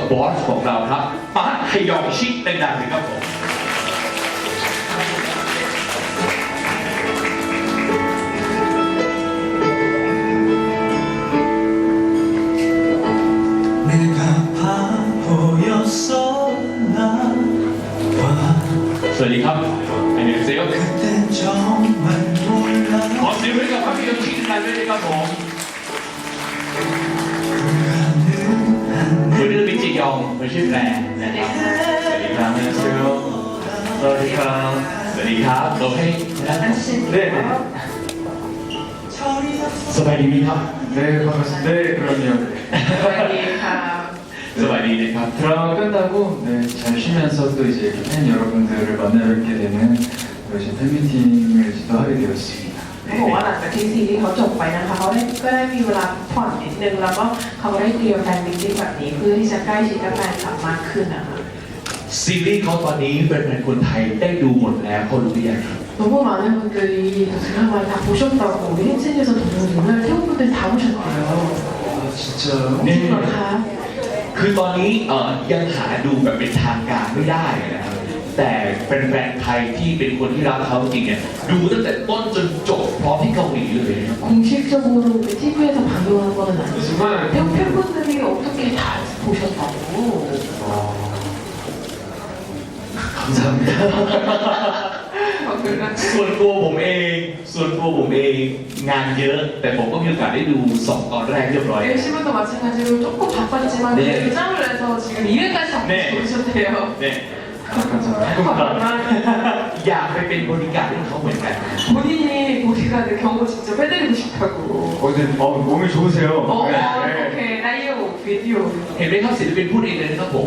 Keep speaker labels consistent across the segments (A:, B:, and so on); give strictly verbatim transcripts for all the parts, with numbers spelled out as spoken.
A: บอสของเราครับปาร์คฮยองชิดังๆเลยครับผมสวัสดีครับอันนี้เซลขอเสียงให้กับภาพยนตร์ชิ้นนั้นด้วยนะครับผมวันนี้เราเป็นจียองเป็นชื่อแปรนะครับสวัสดีครับอันนี้เซลสวัสดีครับสวัสดีครับเราให้เรื่อยสบายดีไหมครับเรื่อยครับเรื่อยครับสบายดีครับสวัสดีนะครับ
B: 드라마가 끝나고 네, 잘 쉬면서 또 이제 팬 여러분들을 만나 뵙게 되는 이제 팬미팅을 또 하게 되었습니다.
C: เขาบอกว่าหลังจากที่ซีรีส์เขาจบไปนะคะเขาได้ก็ได้มีเวลาพักผ่อนนิดนึงแล้วก็เขาได้เตรียมแฟนมิตติ้งแบบนี้เพื่อที่จะใกล้ชิดกับแฟนคลับมากขึ้นนะคะ
A: ซีรีส์เขาตอนนี้เป็นแฟนคนไทยได้ดูหมดแล้วเขารู้หรือยังครับ
C: 너무 많은 분들이 드라마를 다 보셨다고 우리 팬층에서 정말 태국 분들이 다 보셨대요.
B: 진짜요?
A: 네.
C: เหรอคะ
A: คือตอนนี้เอ่อยังหาดูแบบเป็นทางการไม่ได้นะครับแต่เป็นแฟนไทยที่เป็นคนที่รักเขาจริงเนี่ยดูตั้งแต่ต้นจนจบพร้อมที่เกาหลีเลยนะครับ
C: 공식적으로 티비에서 방영한 거는 아니지만 태국 팬분들이 어떻게 다 보셨다고.
B: 감사합니다.
A: ส่วนตัวผมเองส่วนตัวผมเองงานเยอะแต่ผมก็มีโอกาสได้ดูสองตอนแรกเรียบร้อย
C: 열심히도 마찬가지로 조금 바빴지만
A: 네.
C: 결정을 해서 지금 이 회까지 다
A: 네.
C: 보셨대요.
A: เนี่ย
B: 감사합니다.
A: อยากไปเป็นบริการให้เขาเหมือนกัน
C: 본인이 보디가드 경고 직접 해드리고 싶다고.
B: 어, 네, 어, 몸이 좋으세요.
C: 어,
B: 네, 네.
C: 오케이, 나이오 비디오
A: เห็นไหมครับศิลปินพูดเองเลยนะครับผม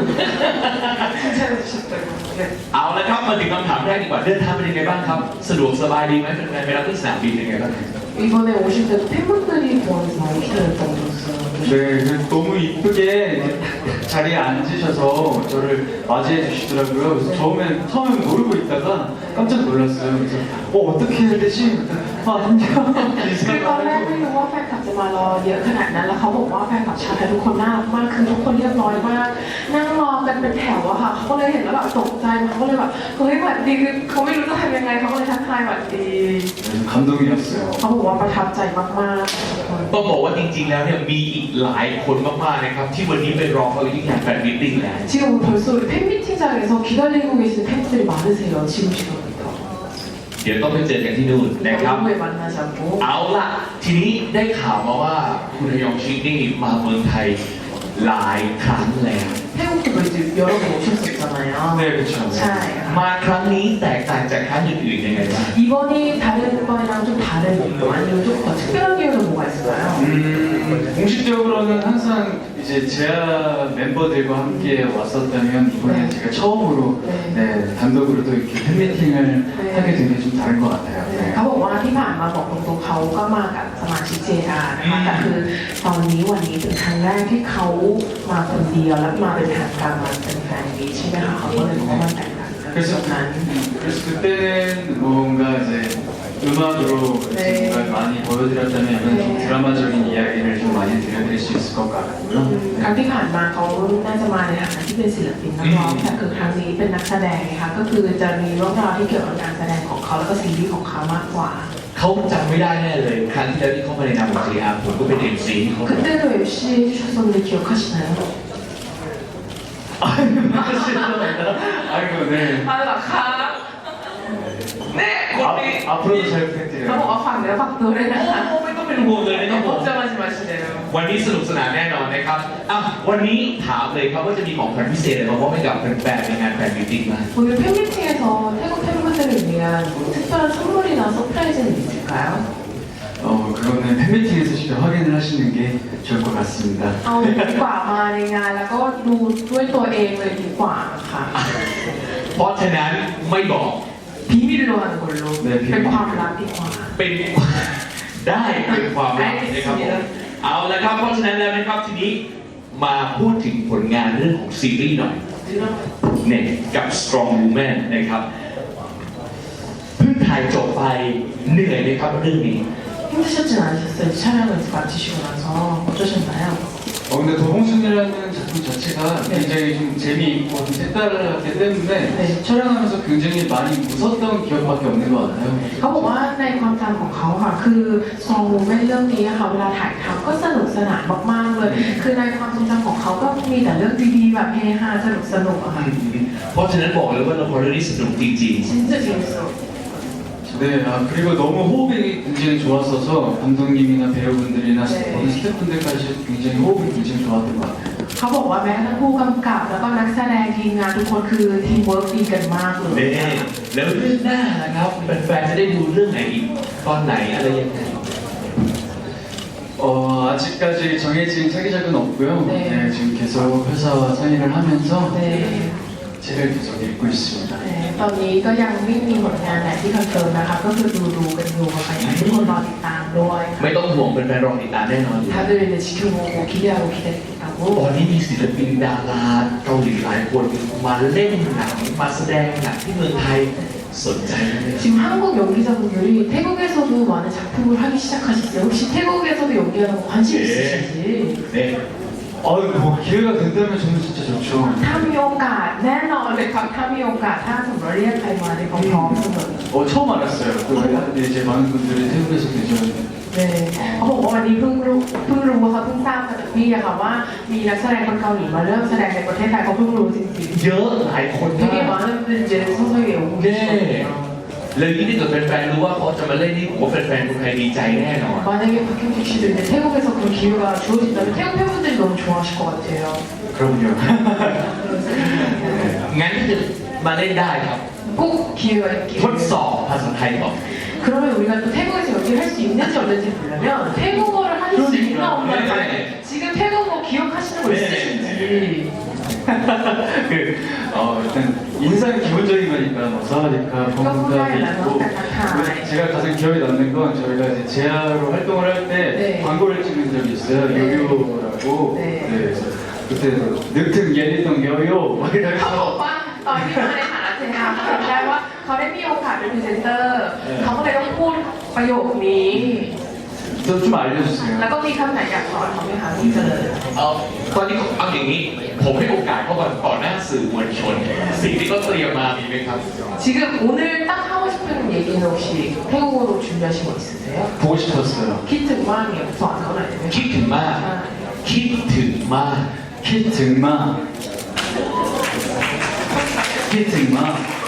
C: 칭찬해 주셨다고. 네.
A: เอาละครับมาถึงคำถามแรกดีกว่าเดินทางเป็นยังไงบ้างครับสะดวกสบายดีไหมเป็นไงไปรับที่สนามบินยังไงบ้าง
C: 이번에 오실 때도 팬분들이 좋아해서 많이 기다렸다고 들었어요.
B: 네, 너무 이쁘게 이렇게 자리에 앉으셔서 저를 맞이해 주시더라고요. 그래서 처음엔 처음엔 모르고 있다가 깜짝 놀랐어요. 그래서 어 어떻게 해야 되지? 아 안녕.
C: คือตอนแรกไม่รู้ว่าแฟนคลับจะมารอเยอะขนาดนั้นแล้วเขาบอกว่าแฟนคลับชาวไทยทุกคนน่ารักมากคือทุกคนเรียบร้อยมากนั่งรอกันเป็นแถวอะค่ะเขาก็เลยเห็นแล้วแบบตกใจเขาก็เลยแบบเฮ้ยหวัดดีคือเขาไม่รู้จะทำยังไงเขาก็เลยทักทายหวัดดี
B: 감동이었어요.
C: เขาบอกว่าประทับใจมากๆทุกคน
A: ต้องบอกว่าจริงๆแล้วเนี่ยมีอีกหลายคนมากๆนะครับที่วันนี้ไปรอเขาอยู่ที่งานแฟนมิตติ้งแล้ว
C: 지금 벌써 우리 팬미팅장에서 기다리고 계시는 팬들이 많으세요 지금 시간부터
A: เดี๋ยวต้องไปเจอกันที่นู่นนะครับ
C: 너무에 만나자고
A: เอาล่ะทีนี้ได้ข่าวมาว่าคุณฮยองชินี่มาเมืองไทยหลายครั้งแล้ว
C: 태국도 이제 여러 번 오셨었잖아요.
B: 네, 그렇죠.
C: 자,
A: มาครั้งนี้แตกต่างจากครั้งอื่นๆยังไงบ้าง
C: 이번이 다른 번이랑 좀 다른 이유 아니면 좀 더 특별한 이유는 뭐가 있을까요?
B: 음, 공식적으로는 항상 이제 제아 멤버들과 함께 왔었다면 이번에
C: 네.
B: 제가 처음으로
C: 네.
B: 네, 단독으로 또 이렇게 팬미팅을
C: 네.
B: 하게 된 게 좀 다른 것 같아요.
C: เขาบอกว่าที่ผ่านมาบอกตรงๆเขาก็มากับสมาชิกเจดานะคะแต่คือตอนนี้วันนี้เป็นครั้งแรกที่เขามาคนเดียวและมาเป็นทางการมาเป็นแฟนมีใช่ไหมคะเขาก็เลยบอกว่ามันแตกต่างกันต
B: 그래서,
C: รงนั้น
B: 그래서 그때는 뭔가 이제 음악으로
C: 네.
B: 정말 많이 보여드렸다면 이번에 좀
C: 네.
B: 드라마적인 이야기를 좀 많이 들려드릴 수 있을 것 같고요.
C: ครั้งที่ผ่านมาเขาน่าจะมาในฐานะที่เป็นศิลปินนักร้องแต่คือครั้งนี้เป็นนักแสดงนะคะก็คือจะมีเรื่องราวที่เกี่ยวกับการแสดงของเขาแล้วก็ซีรีส์ของเขามากกว่า
A: เขาจำไม่ได้แน่เลยครั้งที่แล้วที่เขามาในนามของ จี อาร์ ผมก็เป็น เอ็ม ซี ที่เขา
C: 그때도 엠씨 해주셨었는데 기억하시나요?
B: 아이고, 네.
C: 아유아카 네!
B: 아, 앞으로도 잘 부탁드려요.
C: เขาบอกว่าฝากเนื้อฝากตัวด้วยนะคะ
A: โอ้ไม่ต้องเป็นห่วงเลยนะครับผม
C: 걱정하지 마시네요
A: วันนี้สนุกสนานแน่นอนนะครับอ่ะวันนี้ถามเลยครับว่าจะมีของขวัญพิเศษอะไรมามอบให้กับแฟนๆในงานแฟนมิตติ้งไหม
C: 오늘 팬미팅에서 태국 팬분들을 위한 뭐 특별한 선물이나 서프라이즈는 있을까요?
B: 어, 그거는 팬미팅에서 직접 확인을 하시는 게 좋을 것 같습니다.
C: เอาดีกว่ามาในงานแล้วก็ดูด้วยตัวเองเลยดีกว่าค่ะ
A: เพราะฉะนั้นไม่บอก
C: 비밀로 하는 걸로
B: 네, 비밀.
C: เป็นความลับดีกว่า
A: เป็นได้เป็นความลับนะครับผมเอาละครับเพราะฉะนั้นแล้วนะครับทีนี้มาพูดถึงผลงานเรื่องของซีรีส์หน่อยเนี่ยกับ Strong Woman นะครับเพิ่งถ่ายจบไปเหนื่อยไหมครับเรื่องนี้
C: 힘드셨진 않으셨어요? 촬영을 마치시고 나서 어떠셨나요?
B: 어, 근데 도봉순이라는 작품 자체가 굉장히 좀 재미있고 좀 색달랐기 때문에
C: 네.
B: 촬영하면서 굉장히 많이 웃었던 기억밖에 없는 것 같아요.
C: เขาบอกว่าในความจำของเขาค่ะคือ Strong Woman เรื่องนี้ค่ะเวลาถ่ายทำก็สนุกสนานมากๆเลย คือในความทรงจำของเขาก็มีแต่เรื่องดีๆแบบเฮฮาสนุกสนุกอะค่ะ
A: เพราะฉะนั้นบอกเลยว่าละครเรื่องนี้สนุกจริง
C: 진짜 재밌어.
B: 네, 아, 그리고 너무 호흡이 굉장히 좋았어서 감독님이나 배우분들이나
C: 네.
B: 모든 스태프분들까지 굉장히 호흡이 굉장히 좋았던 것 같아요.
C: เขาบอกว่าแม้กระทั่งผู้กำกับแล้วก็นักแสดงทีมงานทุกคนคือทีมเวิร์กดีกันมากเล
A: ๆ
C: ย
A: เน่แล้วเรื่องหน้านะครับแฟนๆจะได้ดูเรื่องไหนอีกตอนไหนอะไรยังไง
B: 어, 아직까지 정해진 차기작은 없고요.
C: 네.
B: 네, 지금 계속 회사와 상의를 하면서
C: เน่
B: 책을 계속 읽고 있습니다.
C: เน่ตอนนี้ก็ยังไม่มีผลงานไหนที่คอนเฟิร์มนะคะก็คือดูดูๆกันอยู่ค่ะอยากให้ทุกคนรอติดตามด้วย
A: ไม่ต้องห่วงเป็นแฟนๆรอติดตามแน่นอนอยู่
C: 다들 이제 지켜보고 기대하고 기다리겠다고.
A: ตอนนี้มีศิลปินดาราเกาหลีหลายคนมาเล่นหนังมาแสดงหนังที่เมืองไทยสนใจไหม
C: 지금 한국 연기자분들이 태국에서도 많은 작품을 하기 시작하셨어요. 혹시 태국에서도 연기하는 거 관심
A: 네.
C: 있으신지?
A: เนี่ย
B: 아, 뭐 기회가 된다면 저는 진짜 좋죠.
C: ถ้ามีโอกาสแน่นอนเลยครับถ้ามีโอกาสถ้าสมมติเรียกใครมาในยพร้อมๆเสมอ
B: 어, 처음 알았어요. 또 근데 이제 많은 분들이 태국에서 계셨는데
C: เลยเขาบอกว่าวันนี้เพิ่งรู้เพิ่งรู้ว่าเขาเพิ่งทราบมาจากพี่อะค่ะว่ามีนักแสดงคนเกาหลีมาเริ่มแสดงในประเทศไทยเขาเพิ่งรู้จริง
A: เยอะหลายคน
C: ๆ
A: มา
C: 되게
A: ก
C: 많은 분들이 이제 서서히 오고
A: เน่
C: 계시거든요.
A: แล้วยิ่งถ้าเกิดแฟนๆรู้ว่าเขาจะมาเล่นนี่ผมว่าแฟนๆคนไทยดีใจแน่นอน
C: 만약에 박형식 씨도 이제 태국에서 그런 기회가 주어진다면 태국 팬분들이 너무 좋아하실 것 같아요.
B: 그럼요.
A: งั้นก็คือมาเล่นได้ครับ
C: 꼭 기회가 있길.
A: ทดสอบภาษาไทยก่อน
C: 그러면 우리가 또 태국에서 연기를 할 수 있는지 없는지 보려면 태국어를 할 수 있나 없나
A: 네.
C: 봐요. 지금 태국어 기억하시는 거
A: 네.
C: 있으신지.
B: 그, 어, 일단 인상이 기본적인 거니까 뭐 사와디카, 범문답이 있고
C: 네.
B: 제가 가장 기억에 남는 건 저희가 이제 제아로 활동을 할 때
C: 네.
B: 광고를 찍은 적이 있어요.
C: 네.
B: 요요라고.
C: 네.
B: 네. 그래서 그때 늑튼 예리동 요요 막
C: เขาบอก
B: 이러면서
C: ว่าตอนที่มาในฐานะเจนนาเขาจำได้ว่าเขาได้มีโอกาสเป็นพรีเซนเตอร์ เขาก็เลยต้องพูดประโยคนี้
B: 저 좀 알려주세요.
C: แล้วก็มีคำไหนอยากสอนเขาไหมคะพี่เจริญ
A: เอาตอนนี้เอาอย่างนี้ ผมให้โอกาสเขาก่อนต่อหน้าสื่อมวลชน สิ่งที่เขาเตรียมมามีไหมครับ
C: 지금 오늘 딱 하고 싶은 얘기는 혹시 태국어로 준비하신 거 있으세요?
B: 보고 싶었어요.
C: 키트 모양이요. 저안 나오나요?
A: คิดถึงมาก คิดถึงมาก
B: 키트마. 키트마.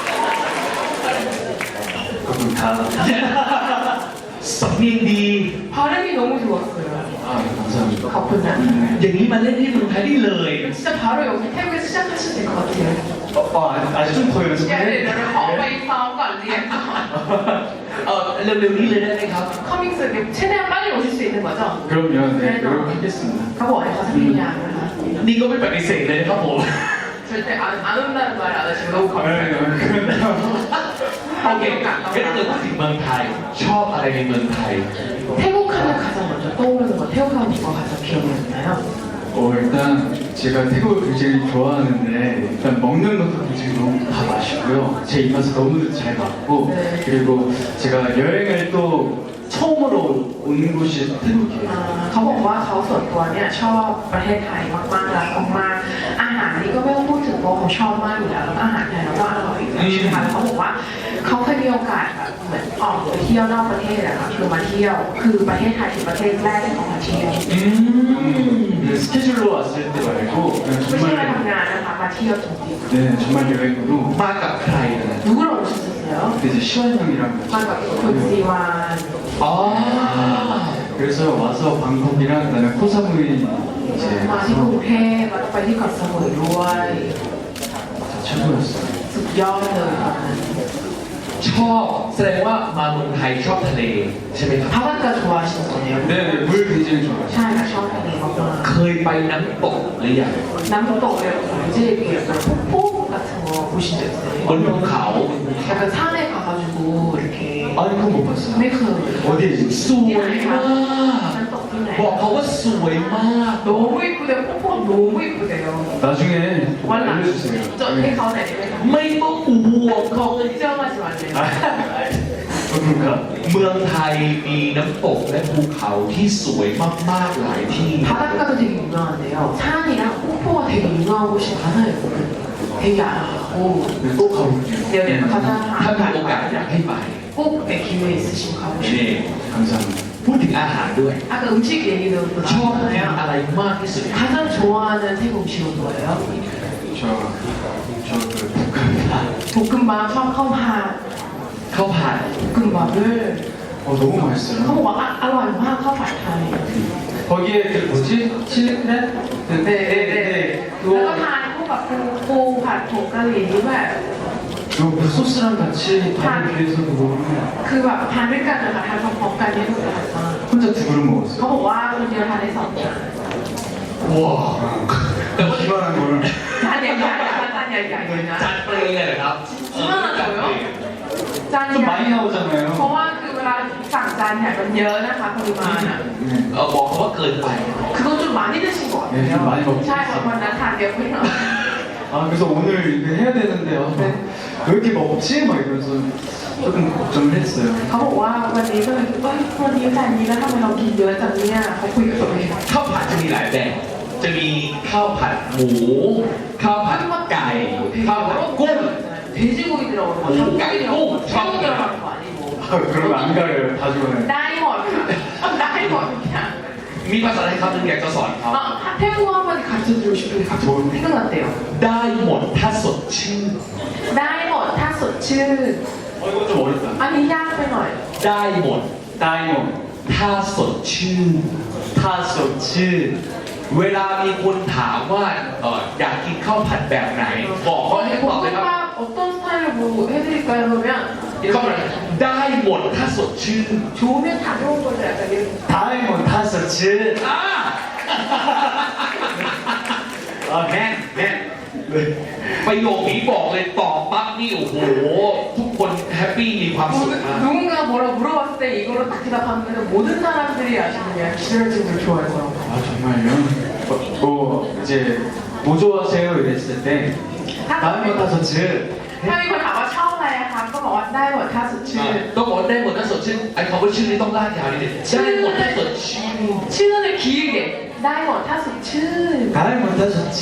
B: 그럼 다.
A: สำเนียงดี
C: 발음이 너무 좋았어요.
B: 아, 감사합니다.
C: 가뿐나.
A: อย่างนี้มาเล่นที่เมืองไทยได้เลย
C: 진짜 바로 여기 태국에서 시작하시면 될 것 같아요.
B: 어, 어, 아직, 아직 좀 더
C: 야, 네,
B: 연습해.
C: 너를 거의 싸움과 안 되겠다.
A: เออเร็วๆนี้เลยได้ไหมครับ
C: 커밍스 최대한 빨리 오실 수 있는 거죠?
B: 그럼요, 네,
C: 네,
B: 노력하겠습니다.
C: 가보 어디 가서 그냥
A: นี่ก็ไม่ปฏิเสธเลยนะครับผม
C: 절대 안, 안 온다는 말 안 하시고 너무
B: 네,
C: 감사해요.
B: 그럼요.
A: โอเคงั้นถ้าเกิดพูดถึงเมืองไทย ชอบอะไรในเมืองไทย
C: 태국 하면 가장 먼저 떠오르는 거 태국 하면 뭐가 가장 기억에 남나요?
B: 어, 일단 제가 태국을 굉장히 좋아하는데 일단 먹는 것도 굉장히 너무 다 맛있고요. 제 입맛에 너무 잘 맞고
C: 네.
B: 그리고 제가 여행을 또 처음으로 온 곳이 태국이에요.
C: อ่าเขาบอกว่าเขาส่วนตัวเนี่ยชอบประเทศไทยมากๆรักมากๆอาหารนี่ก็ไม่ต้องพูดถึงเพราะเขาชอบมากอยู่แล้วแล้วก็อาหารไทยเราก็อร่อยอยู่แล้วใช่ไหมคะแล้วเขาบอกว่าเขาเคยมีโอกาสแบบเหมือนออกไปเที่ยวนอกประเทศอะค่ะคือมาเที่ยวคือประเทศไทยคือประเทศแรกที่เขามาเที่ยว
A: อืม
B: 네, 스케줄로 왔을 때 말고 그냥
C: ไม่ใช่มา
B: 정말
C: ทำงานนะคะมาเที่ยวจริง
B: 네, 정말 여행으로
A: มากับใครนะ
C: ๆ누구랑 오셨었어요?
B: 그때 이제 시완 형이랑
C: มากับคุณซีวาน
A: อ๋อ
B: 그래서 와서 방콕이랑 그다음에 코사무이 이제
C: มาที่กรุง
B: 가서
C: เทพแล้วก็ไปที่เกาะสมุยด้วย
B: 최고였어요.
C: สุดยอดเลยตอนนั้น
A: ชอบแสดงว่ามาเมืองไทยชอบทะเลใช่ไหมครับ
C: 바닷가 좋아하시는 거네요.
B: 네, 네, 물 굉장히 좋아하시죠.
C: ใช่ค่ะชอบทะเลมาก
A: เคยไปน้ำตกหรือยัง
C: ๆน้ำตกเนี่ย이제 약간 폭포 같은 거 보신 적
A: บน
C: 있어요?
A: ภูเขา
C: 약간 산에 가가지고 이렇게
B: 아니 그건 못 봤어요.
C: ไม่เคย
B: 어디에 지금
A: สวยมาก
C: น้ำตกที่ไหน
A: บอกเขาว่าสวยมาก
C: 너무 이쁘대요. 폭포가 너무 이쁘대요.
B: 나중에
C: 원래
B: 알려주세요.
C: 저
B: 네.
C: 가운데 내면
A: ไม่ต้องห่วงเขา
C: 걱정하지 말래요.
B: 아, 오케이. 그런가?
A: เมืองไทยมีน้ำตกและภูเขาที่สวยมากๆหลายที่
C: 바닷가도 되게 유명한데요. 산이랑 폭포가 되게 유명한 곳이 많아요. 되게 알아가고
B: 네, 또 가볼게요.
C: 네, 네, 가자.
A: ถ้ามีโอกาสอยากให้ไป
C: 꼭 네, 기회 있으시면
A: นี่
C: 가보시고.
B: 감사합니다.
A: พูดถึงอาหารด้วย
C: 아까 음식 얘기도
A: ชอบกิน
C: 나왔잖아요.
A: อะไรมากที่สุด
C: 가장 좋아하는 태국 음식은 뭐예요?
B: 저, 저그 볶음밥.
C: 볶음밥, 샤오카오파,
A: ข้าวผัด
C: 볶음밥을
B: 어, 너무
C: เขา
B: 맛있어요.
C: บอกว่าอร่อยมากข้าวผัดไทย
B: 거기에 그 뭐지? 칠레? 그,
C: เด็ด
B: 네,
C: เด็ด
B: 네,
C: แล้วก็
B: 네.
C: ทานคู่กับปูปูผัดผงกะหรี่นี่แบบ
B: 그거 그 소스랑 같이 밥을 비벼서도 먹으면
C: คือแบบทานด้วยกันนะคะทานพร้อมๆกันเนี่ยอร่อยมาก
B: 혼자 두 그릇
C: เขา
B: 먹었어요.
C: บอกว่าคนเดียวทานได้สองจาน
A: ว้าว
B: 기만한 거를.
C: จานใหญ่ๆนะคะจานใหญ่ๆเลยนะ
A: จานเปรย์เลยเหรอครับเออจานเปรย์
C: จาน
B: 좀
C: ใหญ่
B: 많이
C: เพราะ
B: 나오잖아요.
C: ว่าคือเวลาสั่งจานเนี่ยมันเยอะนะคะปริมาณอ่ะ
B: 네.
A: เออบอกเขาว่าเกินไป
C: คือต้องจุดหมายนี่จะชิมก่อน
B: เออจุดหมายบอก
C: ใช่ค่ะวันนั้นทานเยอะไปหน่อย
B: 아, 그래서 오늘 이거 해야 되는데, 아,
C: 네.
B: 왜 이렇게 먹지? 막 이러면서 조금 걱정을 했어요.
C: เขาบอกว่าวันนี้ก็เลยคิดว่าวันนี้แต่นี้แล้วทำไมเรากินเยอะจังเนี่ยเขาคุยกับตัวเอง
A: ข้าวผัดจะมีหลายแบบ จะมีข้าวผัดหมู ข้าวผัดไก่ ข้าวผัดกุ้ง
C: 돼지고기 들어가는 거,
A: 오,
C: 닭고기 들어가는 거,
A: 오,
C: 새우 들어가는 거 아니고.
B: 아, 그러면 안 가려요. 다 좋아해요.
C: ได้หมดค่ะได้หมดทุกอย่าง
A: มีภาษาไทยคำหนึงอยากจะสอนเขา
C: 아, 태국어 한마디 가르쳐드리고 싶은데 갑자기 생각났대요.
A: ได้หมดถ้าสดชื่น
C: 다이몬, 타소츠.
B: 어, 이거 좀 어렵다.
C: 아니, 양 빼놔요.
A: ได้หมด
B: 다이몬,
A: ถ้าสดชื่น
B: 타소츠.
A: เวลามีคนถามว่าเอออยากกินข้าวผัดแบบไหน บอกเขาให้ตอบเลยครับ
C: 볶음밥 어떤 스타일로 뭐 해드릴까요? 그러면
A: เขาบอกได้หมดถ้าสดชื่น
C: 좋으면 다 좋은 거죠. 약간 이런.
B: 다이몬, 타소츠.
A: อ่า
B: 아,
A: แน่นแน่นประโยคนี้บอกเลยตอบปั๊บนี่โอ้โห ทุกคนแฮปปี้มีความสุข
C: 누-
A: มาก
C: 누군가 뭐라 물어봤을 때 이걸로 딱 대답하면 모든 사람들이 아시는 기절증을 좋아해서.
B: 아, 정말요? 어, 뭐, 이제, 뭐 좋아하세요? 이랬을 때, 다이몬, 타소츠.
C: ถ้ามีคนถามว่าชอบอะไรอะคะก็บอกว่าได้หมดถ้าสดชื่น
A: ต้องบอกว่าได้หมดถ้าสดชื่นไอ้คำว่าชื่นนี่ต้องลากยาวนิดนึงได้หมดถ้าสดชื่น
C: ชื่อ길게ได้หมดถ้าสดชื่น
B: 다이몬, 타소츠.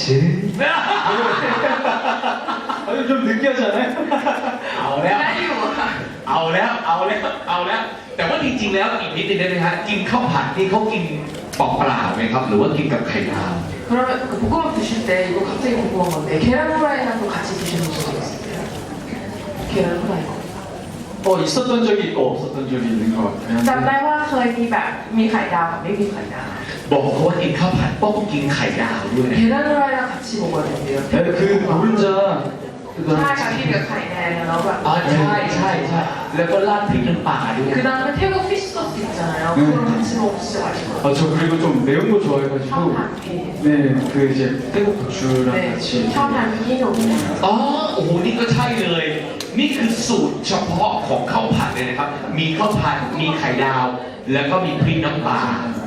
B: 아니, 좀 느끼하잖아요?
A: เอาแล้ว
C: ได้อยู่อะค่ะ
A: เอาแล้วเอาแล้วเอาแล้ว แต่ว่าจริงๆแล้วอีกนิดนึงได้ไหมฮะกินข้าวผัดนี่เขากินเปล่าๆไหมครับ หรือว่ากินกับไข่ดาว
C: 그러면 그 볶음밥 드실 때 이거 갑자기 궁금한 건데 계란 후라이랑도 같이 드시는 적이 있으세요? 계란 후라이
B: 어, 있었던 적이 있고 없었던 적이 있는 것 같아요.
C: จำได้ว่าเคยมีแบบมีไข่ดาวกับไม่มีไข่ดาว
A: บอกเขาว่ากินข้าวผัดต้องกินไข่ดาวด้วย
C: 계란 후라이랑 같이 먹어야 된대요.
B: 네, 그 노른자. 그
C: ใช่
B: 다음에
C: ค่ะที่กับไข่แดงแล้วแบบ
A: อ๋อใช่ใช่ใช่แล้วก็ราดพริกน้ำปลาด้วย
C: 그 다음에 태국 피쉬 소스 있잖아요. 그거랑 같이 먹으면 진짜 맛있거든요.
B: 아, 저 그리고 좀 매운 거 좋아해가지고.
C: 샤오탄 피.
B: 네, 그 이제 태국 고추랑
C: 네,
B: 같이.
C: 샤오탄 피노.
A: อ๋อโอ้โหนี่ก็ใช่เลย นี่คือสูตรเฉพาะของข้าวผัดเลยนะครับ มีข้าวผัดมีไข่ดาว แล้วก็มีพริกน้ำปลา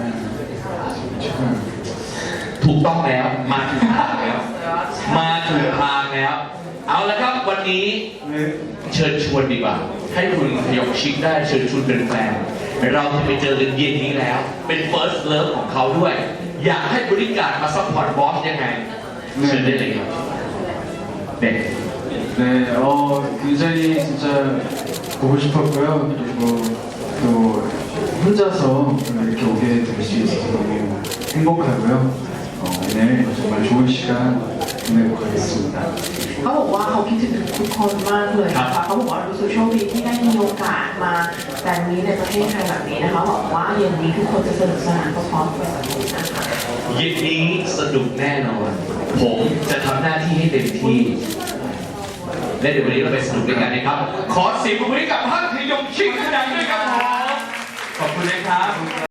B: 지금
A: ถูกต้องแล้วมาถูกทางแล้ว มาถูกทางแล้ว เอาละครับวันนี้
B: 네.
A: เชิญชวนดีกว่า ให้คุณพยองชิคได้เชิญชวนเป็นแฟนเราจะไปเจอกันเย็นนี้แล้ว เป็น first love ของเขาด้วย อยากให้บริการมาซัพพอร์ตบอสยังไงเชิญได้เลยครับเด็ก
B: 네, 어, 굉장히 진짜 보고 싶었고요. 그리고 또 혼자서 이렇게 오게 될 수 있어서 너무 행복하고요. 어, 오늘 정말 좋은 시간 보내고 가겠습니다.
C: เขาบอกว่าเขาคิดถึงทุกคนมากเลยนะคะเขาบอกว่ารู้สึกโชคดีที่ได้มีโอกาสมาแต่นี้ในประเทศไทยแบบนี้นะคะบอกว่าเย็นนี้ทุกคนจะสนุกสนานพร้อมๆกันแบบนี้นะคะ
A: เย็นนี้สนุกแน่นอน ผมจะทำหน้าที่ให้เต็มที่ และเดี๋ยววันนี้เราไปสนุกด้วยกันนะครับ ขอเสียงปรบมือให้กับท่านพยองชิคกันดังด้วยครับผมขอบคุณนะครับ